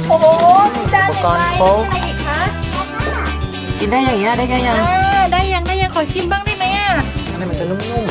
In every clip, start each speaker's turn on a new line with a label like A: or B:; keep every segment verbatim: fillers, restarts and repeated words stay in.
A: โอ้โหมีจานหนึ่งใบอะไรอีกคะ
B: กินได้อย่างเงี้ยได้แค่ยัง
A: อ่าได้ยังได้ยังขอชิมบ้างได้ไหมอ่ะ
B: อันนี้มันจะนุ่ม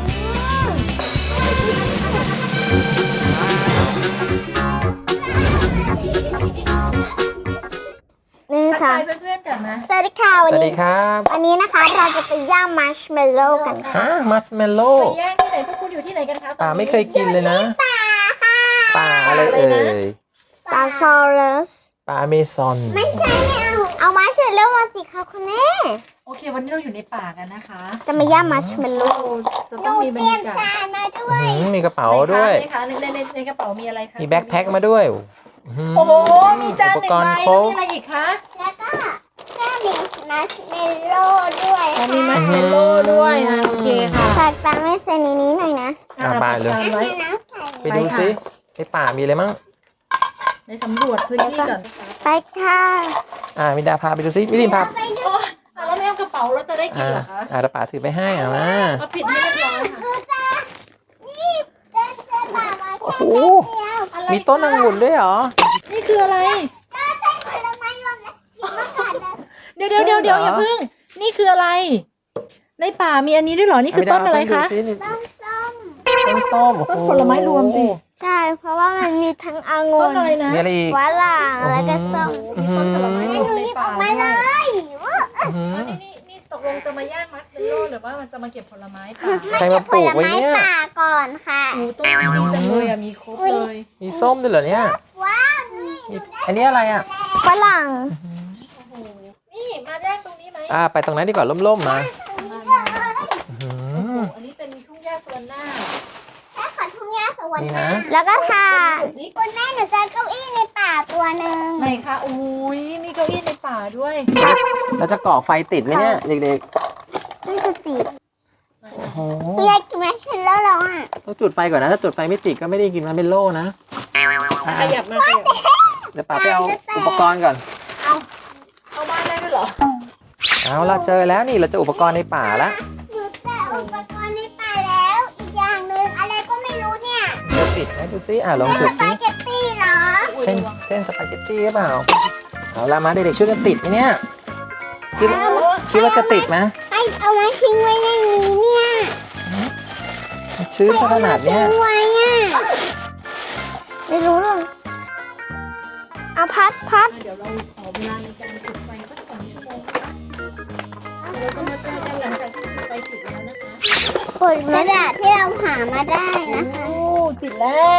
C: หนึ่ง
A: ทัก
C: สอ
A: ทาง ยเพื่อนๆกันนะ
C: สวัสดีค่ะ
B: ๆ
C: วั
B: ส
C: น
B: วัสดี
C: นี้
B: ครับ
C: วันนี้นะคะเราจะไปย่างมัชเมลโล่กันค่ะ
B: ฮะมัสเมลโล่
A: ไปย่างที่ไหนพวกคุณอยู่ที่ไหนกันคะตอน
B: ป่า
A: นี้
B: ไม่เคยกินเลยนะ
C: ป่าค่ะ
B: ป่าอะไรเอ่ย
C: ป่าฟอเรส
B: ป่าอเมซอน
C: ไม่ใช่ไม่เอาเอามัชเมลโล่มาสิคะคุณแม่
A: โอเควันนี้เราอยู่ในป่ากันนะคะ
C: จะมาย่างมัชเมลโล่
A: จะต้องมีบรรยากาศ
C: มาด้ว
B: อื้อย หือมีกระเป๋า
A: ไหนคะ
B: ด้วย
A: ไหนคะในในในในกระเป๋ามีอะไรคะ
B: มีแบ็คแพ็คมาด้วยอื้อหื
A: โอ้โหมีจานหนึ่ง
B: อุปกร
A: ใบ
B: ณ์คร
A: แล้ว
B: บ
A: มีอะไรอีกคะ
C: แล้วก็ก็มีมัชเมลโล่ด้วย
A: เรามีมัชเมลโล่ด้วยอ่ะโอเคค่ะ
C: ฝากตามแม่เซนีนี้หน่อยนะ
B: อ่ะบายเลย
A: ตามไว้
C: น้ำใส่
B: ไปดูซิในป่ามีอะไรมั่ง
A: ไปสำรวจพื้นที่ก่อนนะคะ
C: ไปค่ะ
B: อ่ามิดาพาไปดูซิมิลินพา
A: โอ้ยอ่ะแล้วไม่เอากระเป๋าเราจะได้กิน
B: อ่า
A: เหรอคะ
B: อ่าเดี๋ยวป่าถือไปให้อ่ะมา
A: เอาผิดให้เรียบร้อยค่ะ
C: ดูจ้านี่เดินเดินป่ามา
B: โอ้
C: แค่
B: โห
C: เดียว
A: อะไร
B: มีต้นองุ่นด้วยเหรอ
A: นี่คืออะไร
C: ก็ใส่ผลไม้รวมนะกินมะขามนะ
A: เดี๋ยวเดี๋ยวเดี๋ยวเดี๋ยว
B: เหรอ
A: อ
B: อ
A: ย่าเพิ่ง นี่คืออะไร ในป่ามีอันนี้ด้วยเหรอ นี่คือต้นอะไรคะ
B: มิดา
C: ต้นส้ม
B: เอาต้นดูสินี่ต้นส้มโอ้โห
A: ต้นผลไม้รวมสิ
C: ใช่เพราะว่ามันมีทั้งองุ่
A: ต้น
C: น
A: อะไรนะ
B: มีอะไรอีก
C: วะหลางแล้วก็ส้ม
A: มีต้นผลไม้รวมในป่า
C: มา
A: ด้
C: เล
A: วย
C: ยว่า
B: อื้อหือ
A: อันนี้นี่นี่ตกลงจะมาย่างมัสเมลโล่หรือว่ามันจะมาเก็บผลไม้ป่า
B: ใครมาปลูกไว้เนี่ย
C: ผลป่าก่อนค่ะ
A: โอ้ต้นดีจังเลยอ่ะ มีครบเลย
B: มีส้มด้วยเหรอเนี่ย
C: ว้าว
B: มีอันนี้อะไรอ่ะ
C: ฝรั่ง
A: โอ้โห นี่มาย่างตรงนี้ไหม
B: อ่าไปตรงนั้นดีกว่าร่มๆมา
A: มามา
B: อื้อ
A: โอ้
B: หื
A: โห
B: อ
A: อันนี้เป็นทุ่งหญ้าสวนหน้า
C: แค่ขอทุ่งหญ้าสวรร
B: นี่
C: ค์
B: นะ
C: แล้วก็ค่ะ
A: นี่
C: คุณแม่หนูเจอเก้าอี้ในป่าตัวหนึ่ง
A: ไหนคะอุ้ยมีเก้าอี้ในป่าด้วย
B: เราจะก่อไฟติดไหมเนี่ยเด็ก
C: นี่คือสี
B: ๆ โอ้โห
C: อยากกินแมชเชลโล่แล้วอ่ะ
B: ต้องจุดไฟก่อนนะ ถ้าจุดไฟไม่ติดก็ไม่ได้กินมันเป็นโล่นะอ่ะ
A: ขยับมาขยับ
B: เดี๋ยวป๋าไปเอาอุปกรณ์ก่อน
A: เอาเข้าบ้านได้ด้วยเหรอ
B: เอาเราเจอแล้วนี่เราเจออุปกรณ์ในป่าแล้ว
C: หนูเจออุปกรณ์ในป่าแล้ว อีกอย่างหนึ่งอะไรก็ไม่รู้เนี่ย
B: เดี๋ยวติดไหมดูซิอ่ะลองจุด
C: ส
B: ซิ
C: ปาเกตตี้เหรอ
B: เส้นเส้นสปาเกตตี้หรือเปล่า เอาละมาเด็กๆช่วยกันติดไหมเนี่ยคิดว่าคิดว่าจะติดไหม
C: ให้เอาไว้ทิ้งไว้ในนี้เนี่ย
B: ชื้นซะขนาดเนี้ย
C: ทิ้งไว้อ่ะไม่รู้หรอกเอาพัดพัด
A: เดี๋ยวเราขอเวลาในการจุดไฟสักสองชั่วโมงนะคะเดี๋ยวเราจะมาเจอกันหลังจากที่จุดไฟติดแล้วนะคะ
C: ผลกระดาษที่เราหามาได้นะคะ
A: โอ้ติดแล้ว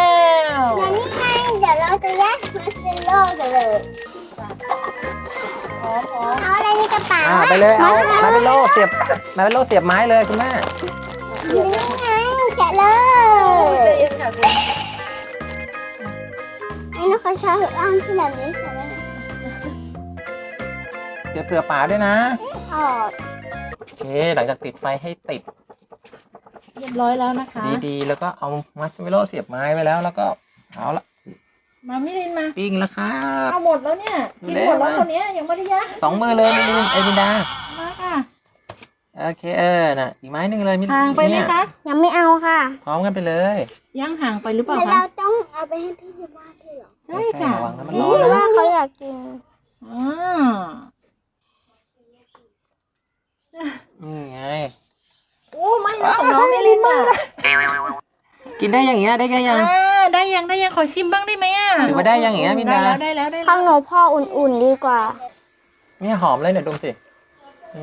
C: เดี๋ยวนี้ไงเดี๋ยวเราจะแยกมาสเตลโล่กันเลย
A: พร้อมพร้อม
C: เอาอะไรในกระเป๋า
B: อ่าไปเลยเอามาเป็นโล่เสียบมาเป็นโล่เสียบไม้เลยคุณแม่
C: นี่ไงแกะเล
A: โอ้ย
C: ย
A: ใจเย็นค่ะคุณ
C: ไอ้นกกระชากอ้างที่แบบนี้ค่ะ
B: เสียบเผื่อป่าด้วยนะ
C: ออก
B: โอเค หลังจากติดไฟให้ติด
A: เรียบร้อยแล้วนะคะ
B: ดีๆ แล้วก็เอามัสเมโล่เสียบไม้ไว้แล้ว แล้วก็เอาละ
A: มามิลินมา
B: ปิ้งแล้วครับ
A: เอาหมดแล้วเนี่ยกินหมดแล้วคนเนี้ยยังไม่ได้ย่าง
B: สองมือเลยมิลินไอมินดา
A: มาค่ะ
B: โอเคเออน่ะอีกไม้หนึ่งเลยมิลิน
A: ห่างไปไหม
B: เนี่ย
A: คะ
C: ยังไม่เอาค่ะ
B: พร้อมกันไปเลย
A: ย่างห่างไปหรือเปล่า
C: เดี๋ยว
A: คะ
C: เราต้องเอาไปให้พี่ที่บ้านด้วยเหรอ
A: ใช่ค่ะ
B: ระวังนะมัน
C: เพ
B: ร้อน
C: ราะว่า
B: นะ
C: เขาอยากกิน
A: อ่า
B: อืมไง
A: โอ้ไม่นะของน้องมิลินอ่ะ
B: กินได้อย่างเงี้ยได้แค่ยัง
A: อ่าได้ยังได้ยังขอชิมบ้างได้ไหมอ่ะ
B: ถือว่าได้ยังอย่างเงี้ยมิน
A: ได้
B: ดา
A: แล้วได้แล้วได้
C: ข้า
A: แล้ว
C: งหนูพ่ออุ่นๆดีกว่า
B: เนี่ยหอมเลยเนี่ยดมสินี่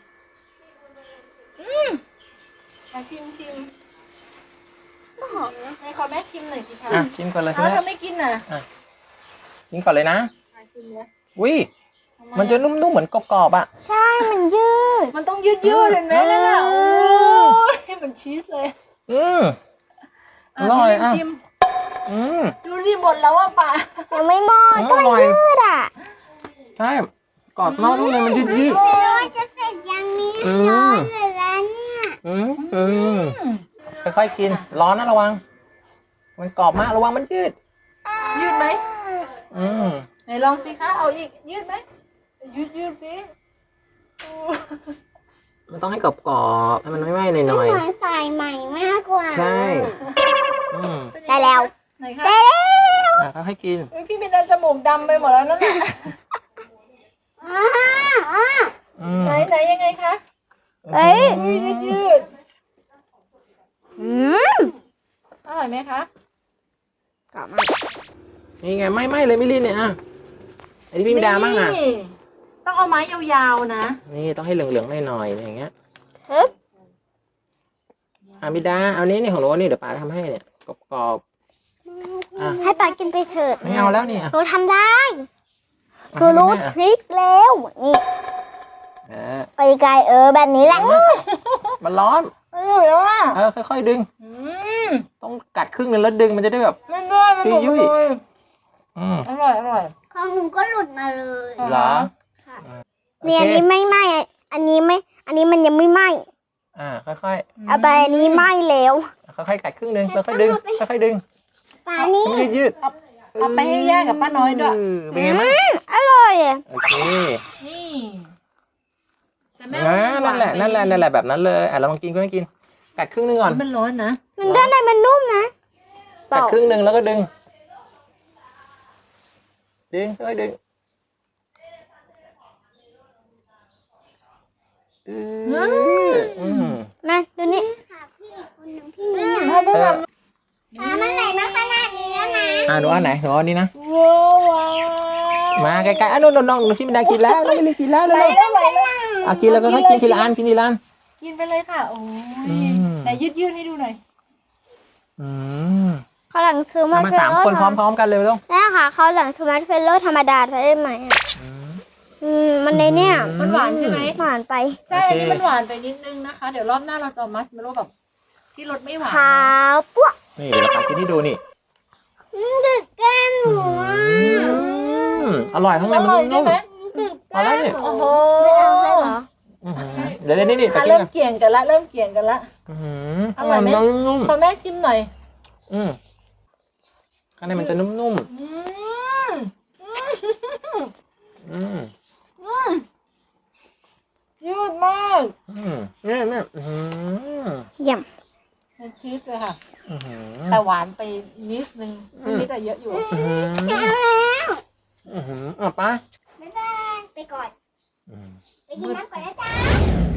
A: มาชิมชิมหอมนะให้ขอแม่ชิมหน่อยสิคะ
B: อ่ะชิมก่อนเลยคุ
A: เอา
B: ณ
A: แล้ว
B: แม่
A: เธอไม่กินน่ะ
B: ชิมก่อนเลยนะ
A: มาชิมเลย
B: อุ้ย
A: ทำไ
B: มันจะนุ่มๆเหมือนกรอบๆอ่ะ
C: ใช่มันยืด
A: มันต้องยืดยืดเห็นไหมนั่นน่ะ
B: อื
A: โอ้
B: ม
A: ยเหมือนชีสเลย
B: อืม
A: อ่ะ
B: อร่อย
A: มิลิน
B: อ่ะ
A: ชิม
B: อืม
A: ดูสิหมดแล้วอ่ะป่า
C: ยังไม่หมด
B: อืม
C: ก็มัน
B: อร่อย
C: ยืดอ่ะ
B: ใช่กรอบนอกนุ่มในมันยืด
C: ไม่รู้ว่าจะเสร็จยังนี้
B: อืม
C: ร้อนเลยแล้วเนี่ย
B: ๆอืมอืมค่อยๆกิน ร้อนนะระวัง มันกรอบมากระวังมันยืด
A: ยืดไหม
B: อืม
A: ไหนลองสิคะเอาอีกยืดไหมยืดยืดสิโอ้
B: มันต้องให้กรอบๆให้มันไม่ไหม้ห
C: เห
B: น่อย
C: มือนสายใหม่มากกว่า
B: ๆใช่อืม
A: เป็นยัง
C: ได้
A: ง
C: แล้ว
A: ไหนคะ
C: ได้แล้ว
B: อ่ะค่อยๆกิน
A: อุ๊ยพี่มินดาจมูกดำไปหมดแล้วนั่นแหละ
B: อืม
A: ไหนไหนยังไงคะ
C: เอ้ย
A: อุ้ยยืดยืด
C: อืม
A: อร่อยไหมคะ
C: กรอบมาก
B: นี่ไงไม่ไม่เลยมิลินเนี่ยอ่ะไอ้ที่พี่มิดามั่งอ่ะ
A: นี่ต้องเอาไม้ยาวๆนะ
B: นี่ต้องให้เหลืองๆหน่อยๆอย่างเงี้ย
C: เฮ้ย
B: อามิดาเอานี้นี่ของหนูนี่เดี๋ยวป้าทำให้เนี่ยกรอบๆอ่ะ
C: ให้ปากินไปเถิด
B: ไม่เอาแล้วนี่อ่ะ
C: หนูทำได้ห
B: อ่ะ
C: นูรู้
B: ให้
C: ท
B: แม่อ่ะ
C: ริคแล้วนี่
B: อ่ะ
C: ไปไกลเออแบบนี้แหละ
B: มันร้อน
A: อร่อยแล้วอ่ะ
B: เออค่อยๆดึง
A: อืม
B: ต้องกัดครึ่งหนึงแล้วดึงมันจะได้แบบ
A: มันด้วยมันหลุด
B: ยุ่
A: มาย เลย
B: อืม
A: อร่อยอร่อย
C: ของหนูก็หลุดมาเลย
B: เหรอ
C: ค่ะ
B: อ่ะ
C: เนี่ยอัน
B: โค
C: นี้ไม่ไหม้อันนี้ไม่ อันนี้มันยังไม่ไหม้
B: อ่าค่อย
C: เอาไปอันนี้ไหม้แล้ว
B: ๆค่อยๆกัดครึ่งหนึงค่อยๆดึงค่อยๆดึง
C: ปานี่
B: ให้มันยืดๆ
A: เอาไปให้ย่ากับป้าน้อยด้วย
B: เเป็นไงบ้าง
C: อร่อยอะ
B: โอเค
A: นี่แต่แม่
B: นะนั่นแหละนั่นแหละนั่นแหละแบบนั้นเลยอ่ะเราลองกินก็ไม่กิน กัดครึ่งหนึงก่อน
A: มันร้อนนะ
C: มันด้านในมันนุ่มนะ
B: กัดครึ่งหนึงแล้วก็ดึง ดึงค่อยๆดึงอืออืม
C: มาดูนี่
A: อืมถ้าไม่
B: เอ
A: ท
B: อ
C: มันไหลมาขนาดนี้แล้วนะ
B: อ่ะหนูเอาไหนหนูเอาอันนี้นะ
A: ำว้าวว้าว
B: มาใกล้ๆอ่ะน้องน้องน้องที่มินดากินแล้วน้องไม่ได้กินแล้ว
A: ไหล
B: เร็ว
A: แล้วไหลแล้ว
B: ๆอ่ะกินแล้วก็ค่อยกินทีละอันกินทีละอัน
A: กินไปเลยค่ะ โอ้
B: อื
A: ย
B: ม
A: ไหนยืดยืดให้ดูหน่อย
B: อืม
C: เขาหลังซื้อมา
B: เอามาสามคนพร้อมๆกันเลยต้อง
C: แล้วค่ะเขาหลังซื้อมาเฟลโลธรรมดาได้ไหมอะ
B: อืม
C: อืมมันในเนี่ย
A: มันหวานใช่ไหม
C: หวานไป
A: ใช่
B: โอเค
A: อันนี้มันหวานไปนิดนึงนะคะ เดี๋ยวรอบหน้าเราจะเอามัชเมลโล่แบบที่รสไม่หวาน
C: ขาวปุ๊บ
B: นี่เดี๋ยวเรากินให้ดูนี่
C: ดึกแก้มหนูอะ
B: อืมอร่อยข้างใน
A: อ
B: มัน
A: ร่อยใช่
B: นุ่ม
A: ไหม
B: ๆพอแล้วนี่
A: โอ้โห
C: ไม่เอาให้เหรอ
B: อื้อหือเดี๋ยวเดี๋ยวนี่นี่ไป
A: อ่ะ
B: กิน
A: เริ่ม
B: กัน
A: เกี่ยงกันละ เริ่มเกี่ยงกันละ
B: อื้อหือ
A: อร่อยไหม
B: ข้างในนนุ่ม
A: ขอแม่ชิมหน่อย
B: ๆอืมข้างในมันจะนุ่ม
A: อืม
B: ๆอืม
A: อืมยืดมาก
B: อืมนี่นี่อื้อหือ
C: เยี่ยม
A: เป็นชีสเลยค่ะ
B: อื้อหือ
A: แต่หวานไปนิดนึง
B: อืม
A: นิดแต่เยอะอยู่
B: อื้อหือ
C: เอาแล้ว
B: อื้อหืออ่ะไป้า
C: บ๊ายบายไปก่อน
B: อืม
C: ไปกินน้ำก่อนนะจ๊ะ